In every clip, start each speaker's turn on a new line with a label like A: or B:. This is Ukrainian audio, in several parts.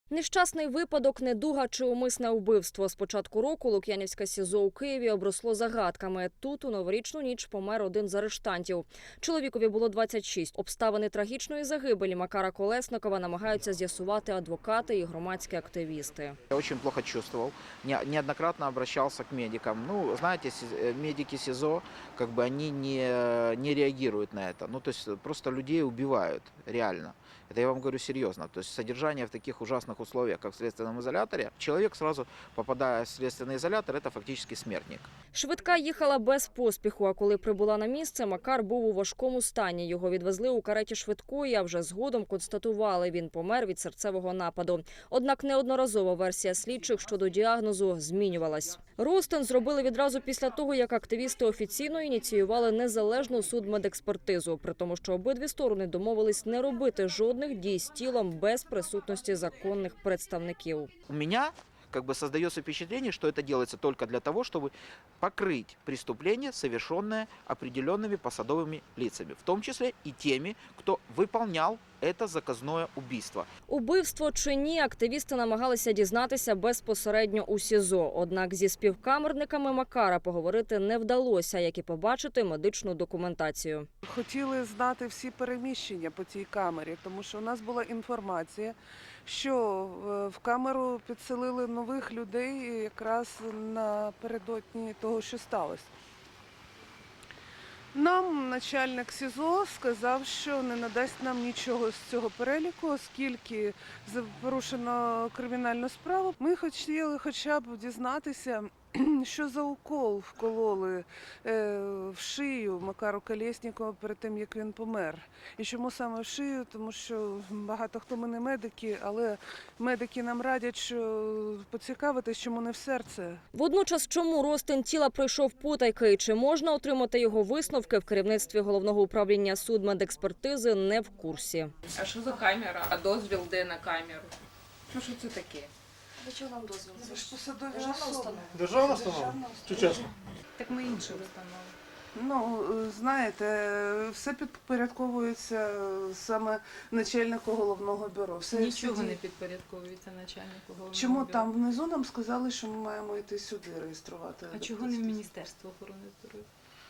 A: Нещасний випадок, недуга чи умисне вбивство. З початку року Лук'янівське СІЗО у Києві обросло загадками. Тут у новорічну ніч помер один з арештантів. Чоловікові було 26. Обставини трагічної загибелі Макара Колесникова намагаються з'ясувати адвокати і громадські активісти.
B: Я очень плохо чувствовал, неоднократно обращался к медикам. Ну, знаете, медики СИЗО, они не реагируют на это. То есть просто людей убивают, реально. Это я вам говорю серьезно. То есть содержание в таких ужасных условиях, как в следственном изоляторе, человек сразу, попадая в следственный изолятор, это фактически смертник.
A: Швидка їхала без поспіху, а коли прибула на місце, Макар був у важкому стані. Його відвезли у кареті швидкої, а вже згодом констатували – він помер від серцевого нападу. Однак неодноразово версія слідчих щодо діагнозу змінювалась. Розтин зробили відразу після того, як активісти офіційно ініціювали незалежну судмедекспертизу, при тому, що обидві сторони домовились не робити жодних дій з тілом без присутності законних представників.
B: У меня создается впечатление, что это делается только для того, чтобы покрыть преступление, совершенное определенными посадовыми лицами, в том числе и теми, кто выполнял это заказное убийство.
A: Убивство чи ні, активісти намагалися дізнатися безпосередньо у СІЗО. Однак зі співкамерниками Макара поговорити не вдалося, як і побачити медичну документацію.
C: Хотіли знати всі переміщення по цій камері, тому що у нас була інформація, що в камеру підселили нових людей якраз напередодні того, що сталося. Нам начальник СІЗО сказав, що не надасть нам нічого з цього переліку, оскільки порушено кримінальну справу. Ми хотіли хоча б дізнатися, що за укол вкололи в шию Макару Колєснікову перед тим, як він помер. І чому саме в шию? Тому що багато хто ми не медики, але медики нам радять, що поцікавитись, чому не в серце.
A: Водночас, чому розтин тіла пройшов потайки і чи можна отримати його висновки, в керівництві Головного управління судмедекспертизи не в курсі.
D: А що за камера? А дозвіл де на камеру? Що це таке?
A: Для чого вам дозвіл?
C: Це ж посадові
A: Державна
C: особи.
A: установа.
E: Державна установа? Чи чесно?
D: Так ми інші установи.
C: Знаєте, все підпорядковується саме начальнику головного бюро.
D: Нічого не підпорядковується начальнику головного
C: Чому
D: бюро.
C: там внизу нам сказали, що ми маємо йти сюди реєструвати?
D: А чого не в Міністерство охорони здоров'я?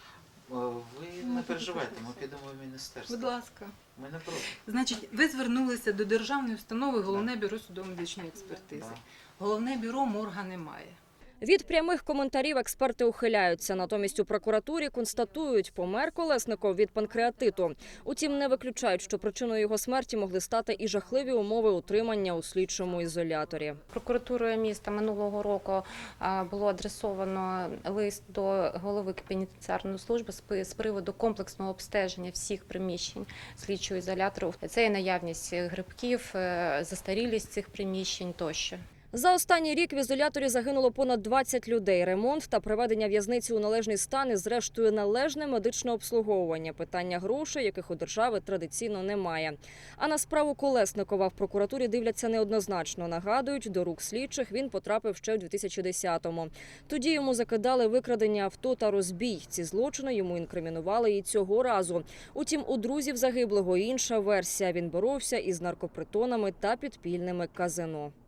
B: Ви не переживайте, ми підемо в міністерство.
D: Будь ласка.
B: Ми не проти.
D: Значить, ви звернулися до державної установи Головне бюро судово-медичної експертизи.
B: Да.
D: Головне бюро морга немає.
A: Від прямих коментарів експерти ухиляються. Натомість у прокуратурі констатують, помер Колесников від панкреатиту. Утім, не виключають, що причиною його смерті могли стати і жахливі умови утримання у слідчому ізоляторі.
F: Прокуратурою міста минулого року було адресовано лист до голови пенітенціарної служби з приводу комплексного обстеження всіх приміщень слідчого ізолятору. Це і наявність грибків, застарілість цих приміщень тощо.
A: За останній рік в ізоляторі загинуло понад 20 людей. Ремонт та приведення в'язниці у належний стан і, зрештою, належне медичне обслуговування. Питання грошей, яких у держави традиційно немає. А на справу Колесникова в прокуратурі дивляться неоднозначно. Нагадують, до рук слідчих він потрапив ще в 2010-му. Тоді йому закидали викрадення авто та розбій. Ці злочини йому інкримінували і цього разу. Утім, у друзів загиблого інша версія. Він боровся із наркопритонами та підпільними казино.